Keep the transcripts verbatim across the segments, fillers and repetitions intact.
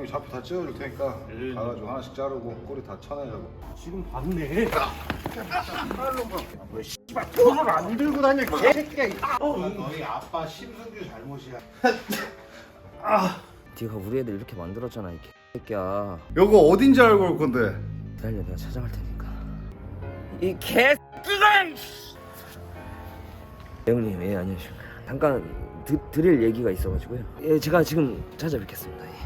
형이 좌표 다 찍어줄 테니까 음. 가가지고 하나씩 자르고 꼬리 다 쳐내자고. 지금 봤네. 왜 씨발 돈을 안 들고 다녀 개새끼야. 어, 너희 아빠 심승규 잘못이야. 네가 우리 애들 이렇게 만들었잖아 이 개새끼야. 여거 어딘지 알고 올 건데. 기다려 내가 찾아갈 테니까. 이 개새끼가! 형님 예 안녕하십니까. 잠깐 드, 드릴 얘기가 있어가지고요. 예 제가 지금 찾아뵙겠습니다. 예.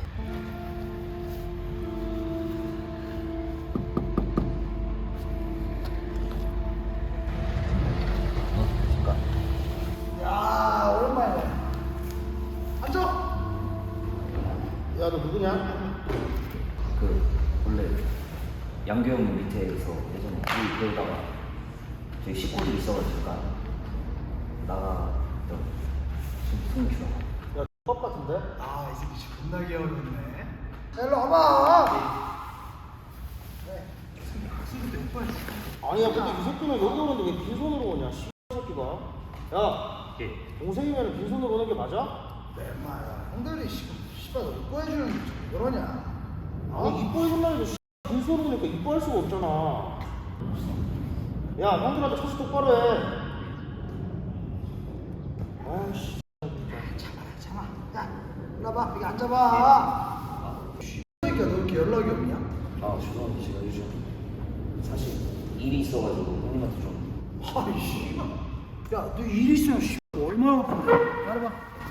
어, 잠깐. 야 오랜만이네. 앉아. 야 너 누구냐? 그 원래 양교형 밑에서 예전에 우리 그러다가 저희 식구들이 있어가지고 잠깐 나갔던 승규라고. 야 X밥 같은데? 아 이 새끼 지금 겁나 귀여웠네. 자 일로 와봐. 네. 아니야 근데 이 새끼는 여기 오는데 왜 빈손으로 오냐 씨 새끼가. 야 예. 동생이면 빈손으로 오는 게 맞아? 내 말야 형들이 지금 씨발 너 이뻐해주는 게 그러냐? 아 이뻐해준다는데 씨 빈손으로 오니까 이뻐할 수가 없잖아. 야 형들한테 처시 똑바로 해. 아씨 참아 참아. 야 일로 와봐 여기 앉아봐. 씨 새끼야 너 이렇게 연락이 없냐? 아 죄송합니다. 제가 요즘 사실 일이 있어가지고 형님한테 좀. 아이씨 야너 일 있으면 씨 얼마나 바쁜데? 말해봐.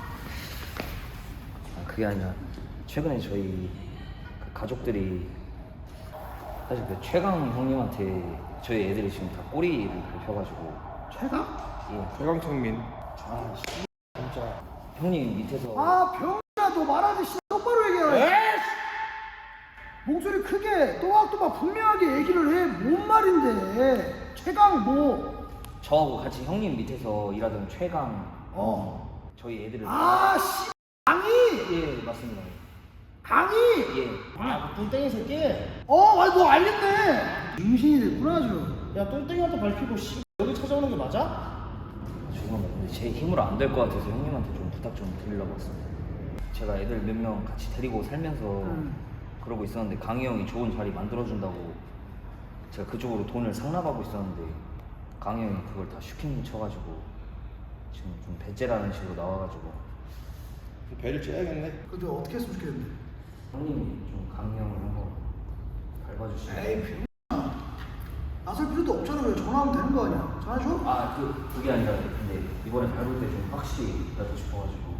아, 그게 아니라 최근에 저희 그 가족들이 사실 그 최강 형님한테 저희 애들이 지금 다 꼬리를 밟혀가지고. 최강? 예. 최강창민. 아 씨 진짜. 형님 밑에서 아 병이야 너 말하지 씨 똑바로 얘기해. 목소리 크게 또박또박 분명하게 얘기를 해. 뭔 말인데 최강 뭐? 저하고 같이 형님 밑에서 일하던 최강 어. 저희 애들을. 아 씨 강이. 예 맞습니다. 강이. 예. 아 똥땡이 새끼. 어, 아니 너 알겠네. 임신이 됐구나 아주. 야 똥땡이한테 밟히고 씨 여기 찾아오는 게 맞아? 죄송합니다. 근데 제 힘으로 안 될 것 같아서 형님한테 좀 부탁 좀 드리려고 했습니다. 제가 애들 몇 명 같이 데리고 살면서 음. 그러고 있었는데 강희 형이 좋은 자리 만들어준다고 제가 그쪽으로 돈을 상납하고 있었는데 강희 형이 그걸 다 슈킹 쳐가지고 지금 좀 배째라는 식으로 나와가지고. 배를 째야겠네. 그저 어떻게 했으면 좋겠는데. 형님이 좀 강희 형을 한번 밟아주시면. 에이 병. 나설 필요도 없잖아. 왜 전화하면 되는 거 아니야? 전화줘? 아, 그, 그게 아니라 근데 이번에 밟을 때 좀 확실히 밟고 싶어가지고.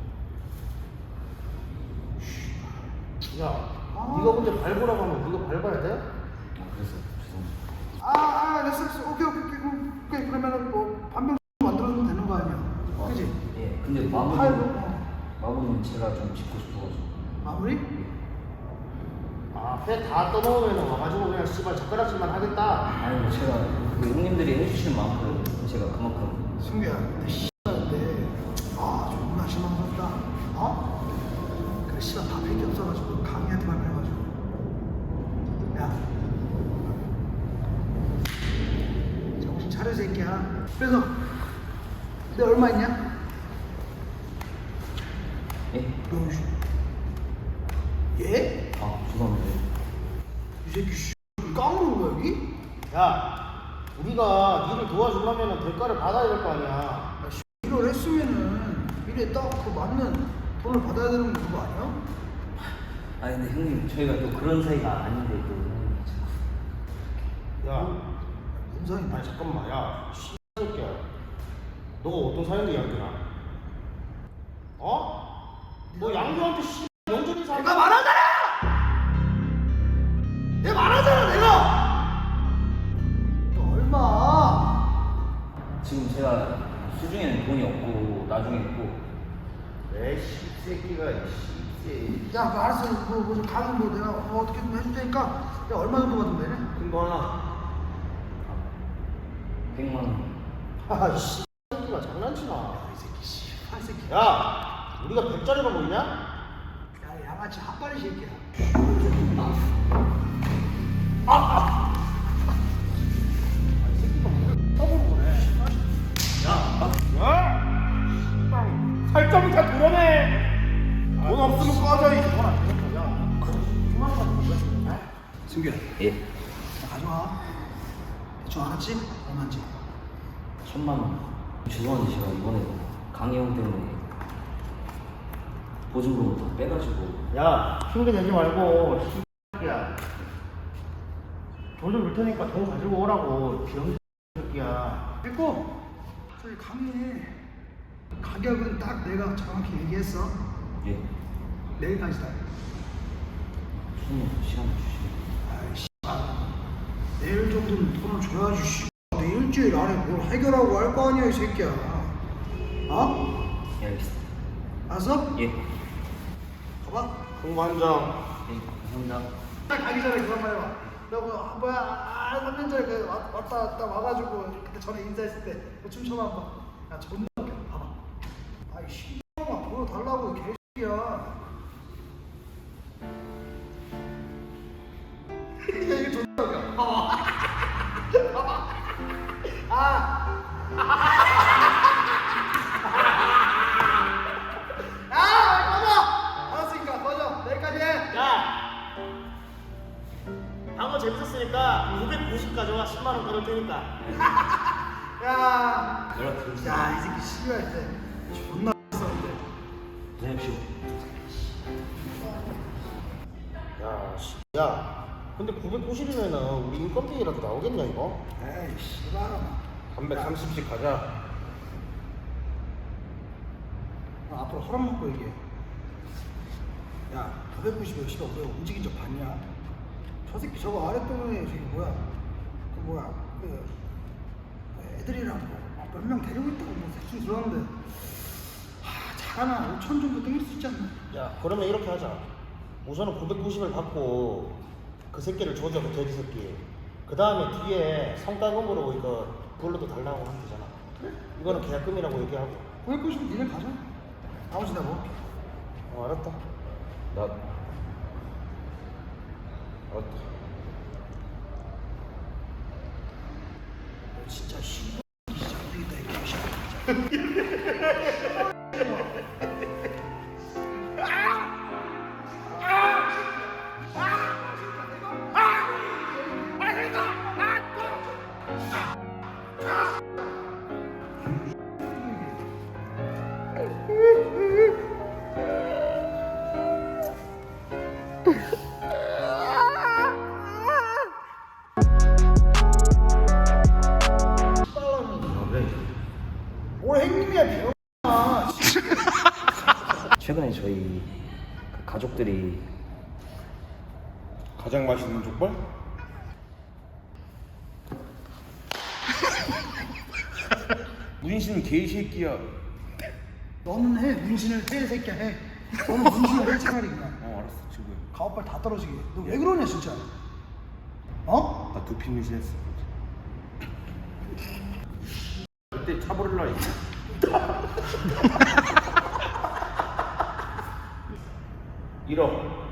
야, 아. 네가 근데 밟으라고 하면 네가 밟아야 돼? 아, 그래서 죄송합니다. 아, 아, 됐어, 됐어. 오케이, 오케이, 오케이. 그럼, 오케이. 그러면은 뭐 반병 만들어주면 되는 거 아니야? 어, 그지? 예, 근데 마무리, 팔고, 어. 마무리는 제가 좀 짓고 싶어가지고. 마무리? 아, 회 다 떠먹으면 와가지고 그냥 씨발 젓가락질만 하겠다. 아니, 뭐 제가 그 형님들이 해주시는 만큼 제가 그만큼. 승규야, 근데 씨발인데 아 존나 실망스럽다. 어? 그래 씨발 밥할 게 없어가지고 강의한테만 해가지고. 야, 정신 차려 새끼야. 그래서 내 얼마 있냐? 예? 명수. 예? 아, 죄송합니다. 이 새끼 씨 까먹은 거야 여기? 야, 우리가 니를 도와주려면 대가를 받아야 될 거 아니야. 야, 씨, 일을 했으면은 미래 딱 그 맞는 돈을 받아야 되는 거 아니야? 아니, 근데 형님, 저희가 또 그런 사이가 아닌데 또 형님이 자꾸. 야, 뭔 사이? 아니 잠깐만, 야, 씨 새끼야. 너가 어떤 사이인데 양규나? 어? 너 양규한테 씨 영준이 사. 내가 말하잖아. 내가 말하잖아, 내가. 너 얼마? 지금 제가 수중에는 돈이 없고 나중에 있고. 에이 씹새끼가 씹새. 야, 뭐 알았어. 뭐, 뭐, 좀 가면 뭐 내가 뭐 어떻게 좀 해줄 테니까. 야, 얼마 정도 받으면 되네? 큰거 하나. 백만 원. 아, 씨. 새끼가 장난치나. 이 새끼 씨. 한 새끼. 야, 우리가 백짜리만 보이냐? 야, 양아치 핫바리 새끼야. 아, 아. 이 새끼가 뭐 떠보는 거네. 살점을 다 드러내. 돈 없으면 꺼져 이. 돈안 되는 거야. 승규야, 예. 나 가져와. 대충 알았지? 얼마인지. 천만 원. 죄송한데 제가 이번에 강혜영 때문에 보증금 다 빼가지고. 야, 핑계 대지 말고 씨야. 돈 좀 줄 테니까 돈 가지고 오라고. 병 새끼야. 됐고, 저기 강의 가격은 딱 내가 정확히 얘기했어. 예. 내일까지다. 손님 시간 주시면. 아이씨, 내일 정도는 돈을 줘야지. 씨. 내 일주일 안에 뭘 해결하고 할 거 아니야 이 새끼야. 어? 예, 알겠습니다. 알았어? 예. 가봐. 공부 한 장. 예, 감사합니다. 가기 전에 그런 말 해봐. 너그 아, 뭐야? 아, 삼 년 전에 그 왔- 왔다 왔다 와가지고 그때 전에 인사했을 때 그 춤춰봐 한번. 야 존나 웃겨. 봐봐. 아이 씨X만 보여달라고 이 개새끼야. 야 이거 존나 웃겨. 봐봐. 봐봐. 아. 아, 꺼져. 알았으니까 꺼져. 내일까지 해. 야! 방어 재밌었으니까 구백구십 가져와. 십만 원 끊을 테니까. 야. 연락드리겠습니다. 야, 이 새끼 씨발 때 존나 썼는데. 고생하십시오. 야, 씨. 야. 근데 구백구십이면은 우리 인건비라도 나오겠냐 이거? 에이, 씨발아. 담배 삼십씩 가자. 나 앞으로 허락 먹고 얘기해. 야, 구백구십에 씨발 우리가 움직인 적 봤냐? 저 새끼 저거 아랫동에 저기 뭐야? 그 뭐야? 그, 그 애들이랑 몇 명 데리고 있다고 뭐 대충 들었는데. 하, 잘하나 오천 정도 땡길 수 있지 않나? 야, 그러면 이렇게 하자. 우선은 구백구십을 받고 그 새끼를 조져, 그 돼지 새끼. 그 다음에 뒤에 성과금으로 이거 그걸로도 달라고 하면 되잖아. 그래? 이거는 계약금이라고 얘기하고. 구백구십은 니네 가자. 나머지 내가 먹을게. 어, 알았다. 나 알았다. 너 진짜 씨발 진짜 안 되겠다 이거 진짜. 뭘 행님이야 병아. 최근에 저희 그 가족들이 가장 맛있는 족발? 문신 개새끼야. 너는 해 문신을 해 새끼야 해. 너는 문신을 해 차라리 그냥. 어 알았어 지금. 가오빨 다 떨어지게. 너 왜 그러냐 진짜. 어? 나 두피 문신했어. 그때 차버릴라 했지. 일억.